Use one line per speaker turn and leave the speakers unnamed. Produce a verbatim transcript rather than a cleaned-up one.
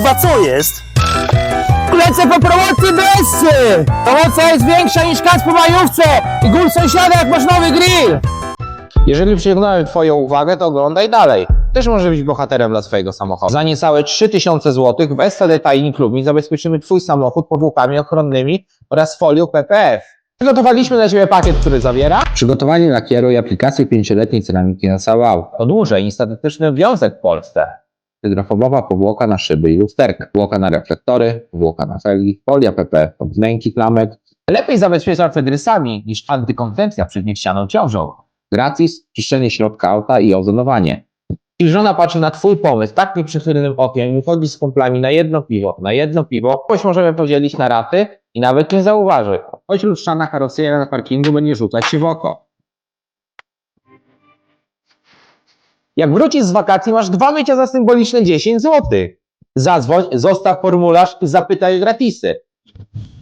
kurwa, co jest?
Lecę po promocji Bessy! Promocja jest większa niż kac po majówce i gól sąsiada jak masz nowy grill! Jeżeli przyciągnąłem twoją uwagę, to oglądaj dalej. Też może być bohaterem dla swojego samochodu. Za niecałe trzy tysiące złotych w S T D Tiny Club zabezpieczymy twój samochód powłokami ochronnymi oraz folią P P F. Przygotowaliśmy dla ciebie pakiet, który zawiera przygotowanie lakieru i aplikację pięcioletniej ceramiki na całe auto. Po dłużej i statystyczny wiązek w Polsce. Hydrofobowa powłoka na szyby i lusterka, powłoka na reflektory, powłoka na felgi, folia P P F od wnęki klamek. Lepiej zabezpieczam przed rysami niż antykoncepcja przed niechcianą ciążą. Gratis, czyszczenie środka auta i ozonowanie. Jeśli żona patrzy na twój pomysł tak nieprzychylnym okiem i chodzi z kumplami na jedno piwo, na jedno piwo, choć możemy podzielić na raty i nawet nie zauważy. Choć lustrzana karoseria na parkingu będzie rzucać się w oko. Jak wrócisz z wakacji, masz dwa mycia za symboliczne dziesięć złotych. Zadzwoń, zostaw formularz i zapytaj o gratisy.